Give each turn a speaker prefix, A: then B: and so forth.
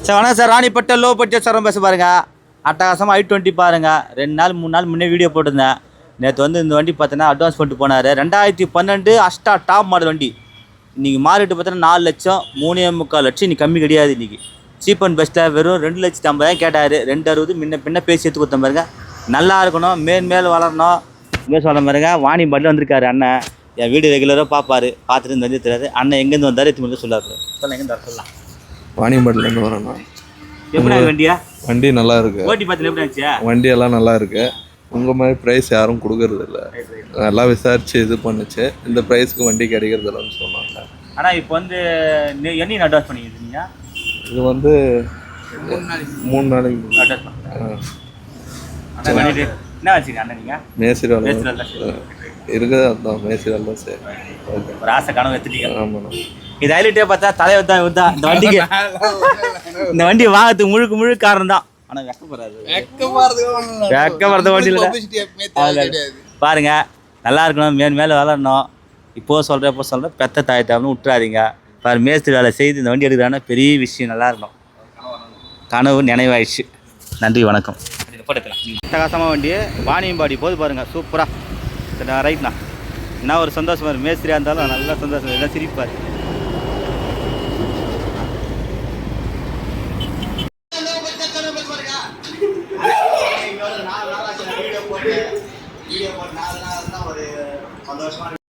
A: Sir வணக்கம் sir. ராணிப்பட்ட low budget sir பேச பாருங்க. அட்டகாசமாக i20 பாருங்க. 2 நாள் 3 நாள் முன்னே வீடியோ போட்டிருந்தேன். நேற்று வந்து இந்த வண்டி பார்த்தீங்கன்னா அட்வான்ஸ் பண்ணிட்டு போனார். 2012 அஷ்டா டாப் மாடல் வண்டி. இன்றைக்கி மாறிட்டு பார்த்தீங்கன்னா 4 லட்சம் 3.25 லட்சம். இன்னைக்கு கம்மி கிடையாது. இன்றைக்கி சீப் அண்ட் பெஸ்ட்டில் வெறும் 2,50,000 கேட்டார். 260 முன்ன பேசி எடுத்து கொடுத்த பாருங்க. நல்லா இருக்கணும், மேல் வளரணும். இங்கே சொல்ல பாருங்க. வாணி பாட்டில் வந்திருக்காரு அண்ணன். என் வீடு ரெகுலராக பார்ப்பார். பார்த்துட்டு இந்த வண்டி தெரியாது. அண்ணன் எங்கேருந்து வந்தார் எத்தனை சொல்லாரு. சொல்ல எங்கேருந்து வர சொல்லலாம்.
B: வாணியம்பாடிலேருந்து வரேண்ணா.
A: எப்படி வண்டியா?
B: வண்டி நல்லா இருக்கு.
A: ஓட்டி பார்த்து எப்படி இருந்துச்சு?
B: வண்டி எல்லாம் நல்லா இருக்கு. உங்கள் மாதிரி ப்ரைஸ் யாரும் கொடுக்கறது இல்லை. நல்லா விசாரிச்சு இது பண்ணுச்சு. இந்த ப்ரைஸ்க்கு வண்டி கிடைக்கிறது இல்லைன்னு சொன்னாங்க.
A: ஆனால் இப்போ வந்து என்ன அட்வான்ஸ் பண்ணிக்கிறீங்க?
B: இது வந்து 3 நாளைக்கு
A: அட்வான்ஸ் பண்ணுறேன். என்ன வச்சுங்க அண்ணன்? நீங்கள்
B: மேசிரி இருக்குது. அதுதான் மேசிரி தான். சரி, ஓகே.
A: ஒரு ஆசை கனவு எடுத்துட்டீங்க.
B: ஆமாண்ணா.
A: இது ஹைலைட்டே பார்த்தா தலைவர் தான் இந்த வண்டிக்கு. இந்த வண்டி வாங்கிறதுக்கு முழுக்க காரணம் தான். ஆனால் வெக்கப்படுறது வண்டி இல்லை பாருங்க. நல்லா இருக்கணும், மேலே வளரணும். இப்போ சொல்கிறேன் பெத்த தாய் தாய்னு விட்டுறாதீங்க. பாரு மேஸ்திரி வேலை செய்து இந்த வண்டி எடுக்கிறான்னா பெரிய விஷயம். நல்லா இருக்கணும். கனவு நினைவாயிடுச்சு. நன்றி, வணக்கம். அட்டகாசமாக வண்டி வாணியம்பாடி போது பாருங்கள். சூப்பராக ரைட்ண்ணா. என்ன ஒரு சந்தோஷமாக இருக்குது. மேஸ்திரியாக இருந்தாலும் நல்லா சந்தோஷம். எல்லாம் சிரிப்பார். வீடியோ போட்டு 4 நாள் தான் ஒரு சந்தோஷமாக